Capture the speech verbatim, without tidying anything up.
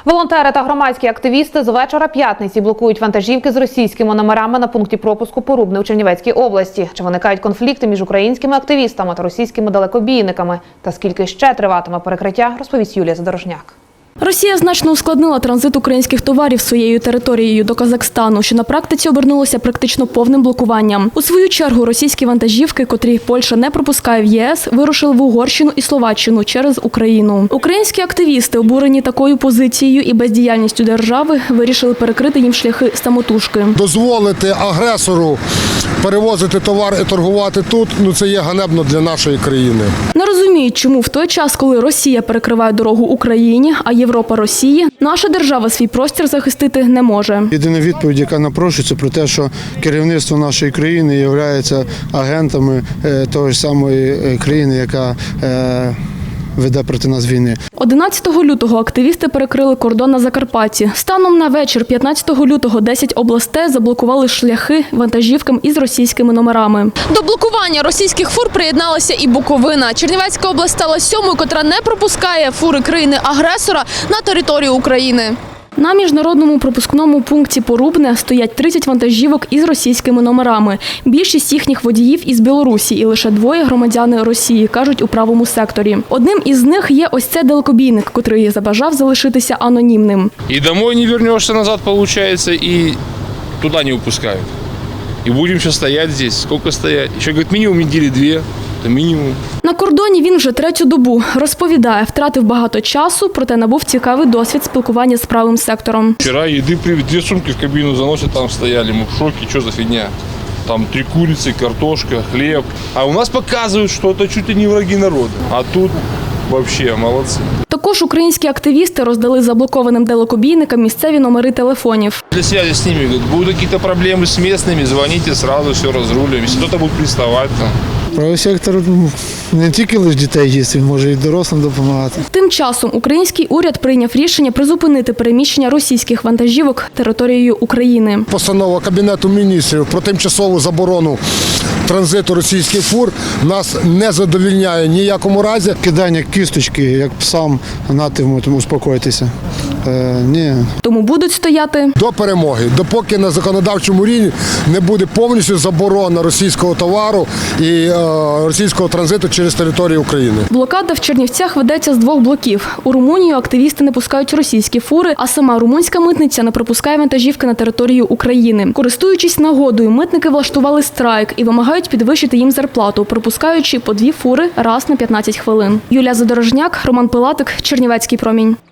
Волонтери та громадські активісти з вечора п'ятниці блокують вантажівки з російськими номерами на пункті пропуску Порубне у Чернівецькій області. Чи виникають конфлікти між українськими активістами та російськими далекобійниками? Та скільки ще триватиме перекриття, розповість Юлія Задорожняк. Росія значно ускладнила транзит українських товарів своєю територією до Казахстану, що на практиці обернулося практично повним блокуванням. У свою чергу російські вантажівки, котрі Польща не пропускає в ЄС, вирушили в Угорщину і Словаччину через Україну. Українські активісти, обурені такою позицією і бездіяльністю держави, вирішили перекрити їм шляхи самотужки. Дозволити агресору перевозити товар і торгувати тут, ну це є ганебно для нашої країни. Не розуміють, чому в той час, коли Росія перекриває дорогу Україні, а Європа – Росії, наша держава свій простір захистити не може. Єдина відповідь, яка напрошується, про те, що керівництво нашої країни є агентами тої ж самої країни, яка веде проти нас війни. одинадцятого лютого активісти перекрили кордон на Закарпатті. Станом на вечір п'ятнадцятого лютого десять областей заблокували шляхи вантажівкам із російськими номерами. До блокування російських фур приєдналася і Буковина. Чернівецька область стала сьомою, котра не пропускає фури країни-агресора на територію України. На міжнародному пропускному пункті Порубне стоять тридцять вантажівок із російськими номерами. Більшість їхніх водіїв із Білорусі і лише двоє громадяни Росії, кажуть у правому секторі. Одним із них є ось цей далекобійник, котрий забажав залишитися анонімним. І домой не вернешься назад, виходить, і туди не випускають. І будемо ще стояти тут, скільки стояти. Ще, говорить, мінімум неділі дві. Мінімум. На кордоні він вже третю добу. Розповідає, втратив багато часу, проте набув цікавий досвід спілкування з правим сектором. Вчора їди привезли, дві сумки в кабіну заносять, там стояли, ми в шокі, що за фігня. Там три куриці, картошка, хліб. А у нас показують, що це чуть ли не враги народу. А тут взагалі молодці. Також українські активісти роздали заблокованим далекобійникам місцеві номери телефонів. Для зв'язку з ними, говорять, будуть якісь проблеми з місцевими, дзвоніть, одразу все розрулюємо. Якщо хтось буде приставати, там. Правий сектор не тільки лише дітей їсть, він може і дорослим допомагати. Тим часом український уряд прийняв рішення призупинити переміщення російських вантажівок територією України. Постанова Кабінету міністрів про тимчасову заборону транзиту російських фур нас не задовольняє ніякому разі. Кидання кісточки, як псам, натимуть, успокойтеся. Е, ні. Тому будуть стояти до перемоги, допоки на законодавчому рівні не буде повністю заборона російського товару і е, російського транзиту через територію України. Блокада в Чернівцях ведеться з двох блоків. У Румунію активісти не пускають російські фури, а сама румунська митниця не пропускає вантажівки на територію України. Користуючись нагодою, митники влаштували страйк і вимагають підвищити їм зарплату, пропускаючи по дві фури раз на п'ятнадцять хвилин. Юлія Задорожняк, Роман Пилатик, Чернівецький промінь.